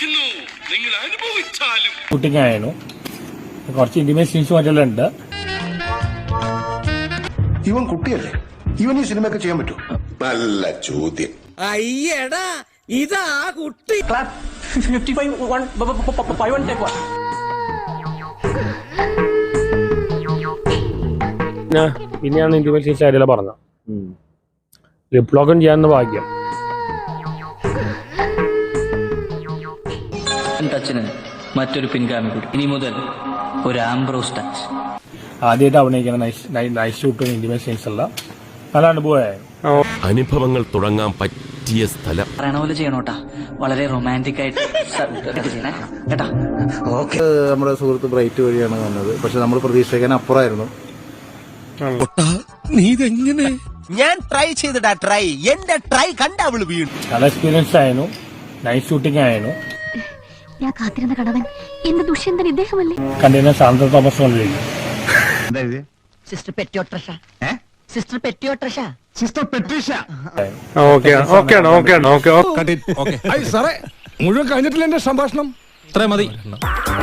Shooting ആയിരുന്നു, കുറച്ച് intimate scenes മറ്റെല്ലാം ഉണ്ട്. ഇവൻ കുട്ടിയല്ലേ, ഇവൻ ഈ സിനിമയൊക്കെ ചെയ്യാൻ പറ്റൂ? നല്ല ചോദ്യം. അയ്യടാ ഇതാ കുട്ടി. പിന്നെയാണ് ഇന്റിമേറ്റ് സീൻസ് കാര്യമെല്ലാം പറഞ്ഞത്. ലിപ്ലോഗൻ ചെയ്യാവുന്ന ഭാഗ്യം. ടച്ചിന് മറ്റൊരു പിൻഗാമി കൂടി. ഇനി മുതൽ ഒരു ആംബ്രോസ് ടച്ച്. ആദ്യമായിട്ട് അഭിനയിക്കുന്ന നൈസ് ഷൂട്ടും ഇന്റിമേറ്റ് സീൻസ് എല്ലാം നല്ല അനുഭവമായിരുന്നു. അനുഭവങ്ങൾ തുടങ്ങാൻ പറ്റിയ സ്ഥലം. പറയണ പോലെ ചെയ്യണോട്ടാ, വളരെ റൊമാൻറ്റിക് ആയിട്ട് ചെയ്യണേ കേട്ടാ. നമ്മുടെ സുഹൃത്ത് ബ്രൈറ്റ് വഴിയാണ് വന്നത്, പക്ഷെ നമ്മൾ പ്രതീക്ഷിക്കാൻ അപ്പുറമായിരുന്നു. നീ ഇതെങ്ങനെ? ഞാൻ ട്രൈ ചെയ്തിടാ, ട്രൈ എന്റെ ട്രൈ കണ്ട അവള് വീണു. നല്ല എക്സ്പീരിയൻസ് ആയിരുന്നു, നൈസ് ഷൂട്ടിംഗ് ആയിരുന്നു. ഞാൻ കാത്തിരുന്ന കടവൻ എന്റെ ദുഷ്യന്തൻ ഇദ്ദേഹമല്ലേ? കണ്ടിരുന്ന സാന്ദ്ര തോമസ് കൊണ്ടിരിക്കും. Sister Patricia, sister Patricia, sister Patricia. സാറേ മുഴുവൻ കഴിഞ്ഞിട്ടില്ല എന്റെ സംഭാഷണം. ഇത്രയും മതി.